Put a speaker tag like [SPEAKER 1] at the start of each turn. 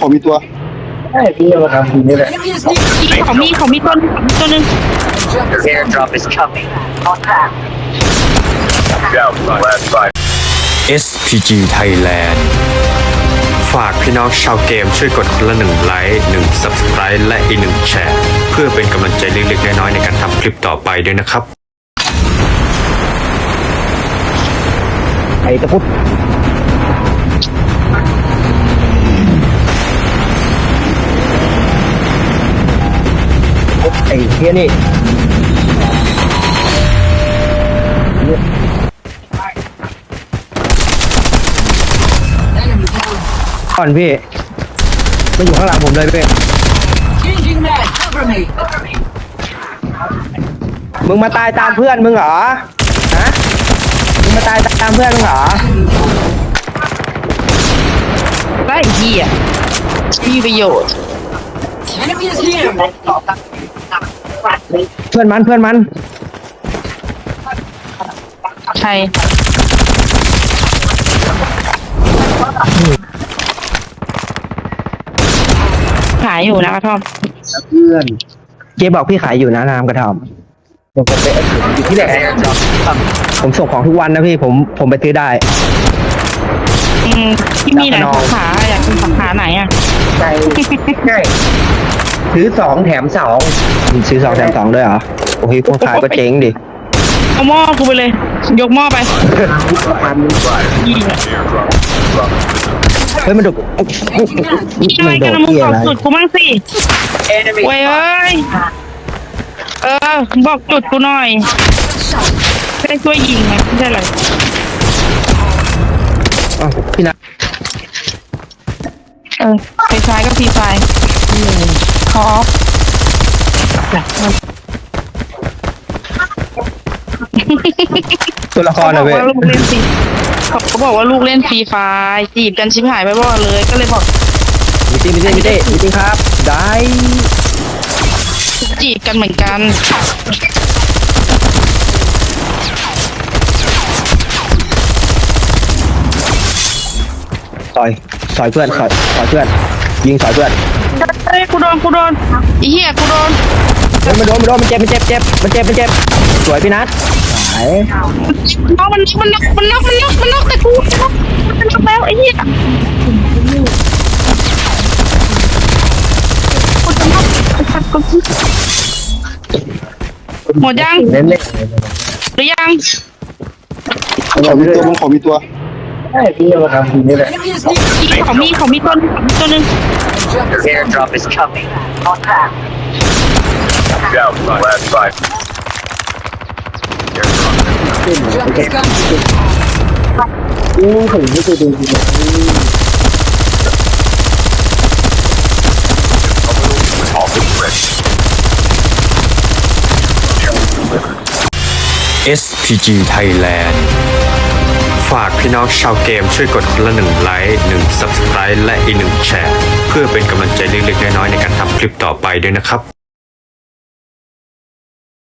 [SPEAKER 1] ขอมีตัว
[SPEAKER 2] ใช่พี่มาทำทีนี่แหละ
[SPEAKER 3] เขามีตัวนึง
[SPEAKER 4] Airdrop is coming. On track.
[SPEAKER 5] Down from last fight.
[SPEAKER 6] SPG Thailand ฝากพี่น้องชาวเกมช่วยกดคนละ1 ไลค์ 1 Subscribe และอีก1 แชร์เพื่อเป็นกำลังใจเล็กๆน้อยๆในการทำคลิปต่อไปด้วยนะครับ
[SPEAKER 2] ไอ้ตะพุดไอ้เฮียนี่ก่อนพี่มาอยู่ข้างหลังผมเลยพี่
[SPEAKER 4] Changing mag. Cover me.
[SPEAKER 2] มึงมาตายตามเพื่อนมึงเหรอฮะมึงมาตายตามเพื่อนมึงเหรอ
[SPEAKER 3] ได้เหี้ยมีประโยชน์
[SPEAKER 4] Enemy is here.
[SPEAKER 2] เพื่อนมัน
[SPEAKER 3] ใครขายอยู่นะกระท่อม
[SPEAKER 2] เพื่อนเจ๊บอกพี่ขายอยู่นะน้ำกระท่อมผมไปอยู่ที่ไหน
[SPEAKER 4] Airdrop is coming.
[SPEAKER 2] ผมส่งของทุกวันนะพี่ผมไปซื้อได้
[SPEAKER 3] ที่มีไหนสาขาอยากเป็นสาขาไหนอ่ะ
[SPEAKER 2] ใช่ซื้อ2 แถม 2ซื้อ2 แถม 2ด้วยเหรอโอ้ยคนขายก็เจ๊งดิ
[SPEAKER 3] เอาหม้อกูไปเลย ยกหม้อไป
[SPEAKER 2] เฮ้ยมันดุ
[SPEAKER 3] นี่อะไรกันนะมึงบอกจุดกูมั่งสิเว้ยเอ้ยบอกจุดกูหน่อยไม่ได้ช่วยยิงไงไม่ใช่อะไร
[SPEAKER 2] พี่นะ
[SPEAKER 3] ไปซ้ายก็ฟรีไฟคอฟ
[SPEAKER 2] ตัวละครนะเว้ย
[SPEAKER 3] เขาบอกว่าลูกเล่นฟรีไฟจีบกันชิบหายไปบ่เลย ก็เลยบอก
[SPEAKER 2] มิตี้ครับได้
[SPEAKER 3] จีบกันเหมือนกัน
[SPEAKER 2] สอยเพื่อนสอยเพื่อนยิงสอยเพื่อน
[SPEAKER 3] เฮ้ยกูโดนไอ้เหี้ยกูโดน
[SPEAKER 2] เฮ้ยมันโดนมันเจ็บสวยพี่นัทหาย
[SPEAKER 3] น้องมันน็อกแต่กูมันน็อกแล้วไอ้เหี้ยหมดยัง
[SPEAKER 2] เล่น
[SPEAKER 3] หรือยัง
[SPEAKER 1] ขอมีตัว
[SPEAKER 2] ใช่พี่มาทำทีนี่แหละ
[SPEAKER 4] Enemy is here.
[SPEAKER 3] เขามีตัวนึง
[SPEAKER 4] Airdrop is coming. On track.
[SPEAKER 5] Down from last fight.
[SPEAKER 4] Jump is coming.
[SPEAKER 2] ถึงไม่เคยดูจริง
[SPEAKER 6] SPG Thailand ฝากพี่น้องชาวเกมช่วยกดคนละ1 ไลค์ 1 Subscribe และอีก1 แชร์เพื่อเป็นกำลังใจเล็กๆน้อยๆในการทำคลิปต่อไปด้วยนะครับ